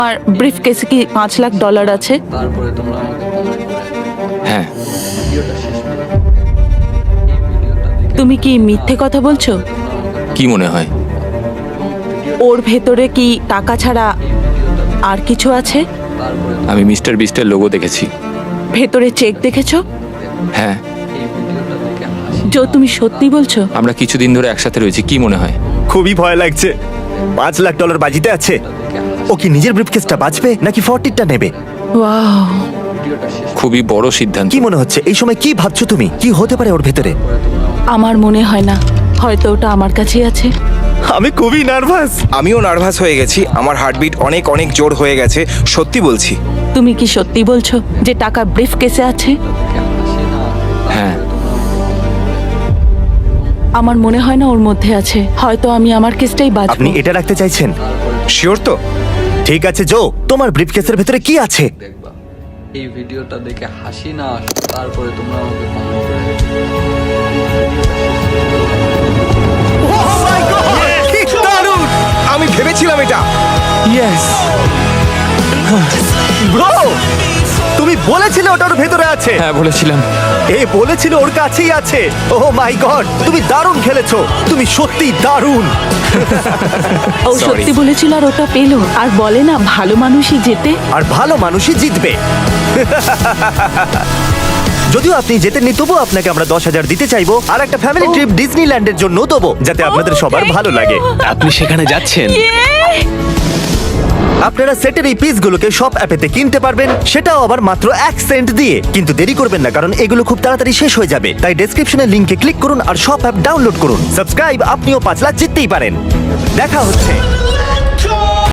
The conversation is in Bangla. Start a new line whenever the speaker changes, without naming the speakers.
আর ব্রিফ কেসে কি $5 লাখ আছে?
তারপরে তোমরা আমাকে কমেন্ট করে
হ্যাঁ,
ভিডিওটা শেষ করো। এই ভিডিওটা দেখে
তুমি কি মিথ্যে কথা বলছো?
কি মনে হয়?
ওর ভেতরে কি টাকা ছাড়া আর কিছু আছে?
তারপরে
আমি মিস্টার বিস্টের লোগো দেখেছি।
ভেতরে চেক দেখেছো?
হ্যাঁ,
এই ভিডিওটা দেখে হাসি
জো, তুমি সত্যি বলছো?
আমরা কিছুদিন ধরে একসাথে রয়েছি। কি মনে হয়?
খুবই ভয় লাগছে। $5 লাখ বাজিতে আছে।
দেখে
ও কি নিজের ব্রিফকেসটা বাঁচবে নাকি 40টা নেবে?
ওয়াও,
ভিডিওটা শেষ
খুবই বড় সিদ্ধান্ত।
কি মনে হচ্ছে এই সময়? কি ভাবছো তুমি? কি হতে পারে ওর ভেতরে?
করে তোমরা আমাকে
আমার মনে হয় না, হয়তো ওটা আমার কাছেই আছে।
আমি খুবই নার্ভাস।
আমিও নার্ভাস হয়ে গেছি, আমার হার্টবিট অনেক অনেক জোর হয়ে গেছে, সত্যি বলছি।
তুমি কি সত্যি বলছো যে টাকা ব্রিফ কেসে আছে?
দেখে হাসি না আসে,
হ্যাঁ,
আমার মনে হয় না ওর মধ্যে আছে। হয়তো আমি আমার কেসটাই
আপনি
বাঁচবো।
এটা রাখতে চাইছেন?
শিওর তো?
ঠিক আছে জো, তোমার ব্রিফকেসের ভেতরে কি আছে?
দেখবা এই ভিডিওটা দেখে হাসি না আসে, তারপরে তোমরা আমাকে কমেন্ট করে
কি দারুণ!
আমি ভেবেছিলাম এটা।
ইয়েস।
ব্রো, তুমি বলেছিলে ওটা ওর ভেতরে আছে।
হ্যাঁ, বলেছিলাম।
এ বলেছিল ওর কাছেই আছে। ওহ মাই গড, তুমি দারুণ খেলেছো। তুমি সত্যি দারুণ।
ও
Sorry.
সত্যি বলেছিল আর ওটা পেলো। আর বলে না, ভালো মানুষই জেতে।
আর ভালো মানুষই জিতবে। যদিও আপনি জেতেননি, তবুও আপনাকে আমরা 10,000 দিতে চাইবো আর একটা ফ্যামিলি ট্রিপ ডিজনিল্যান্ডের জন্য দেবো, যাতে আপনাদের সবার
thank
ভালো
you.
লাগে।
আপনি সেখানে যাচ্ছেন?
আপনারা সেটের এই পিসগুলোকে শপ অ্যাপেতে কিনতে পারবেন, সেটাও আবার মাত্র 1 সেন্ট দিয়ে। কিন্তু দেরি করবেন না, কারণ এগুলো খুব তাড়াতাড়ি শেষ হয়ে যাবে। তাই ডেসক্রিপশনের লিংকে ক্লিক করুন আর শপ অ্যাপ ডাউনলোড করুন। সাবস্ক্রাইব, আপনিও 5 লাখ জিততেই পারেন। দেখা হচ্ছে।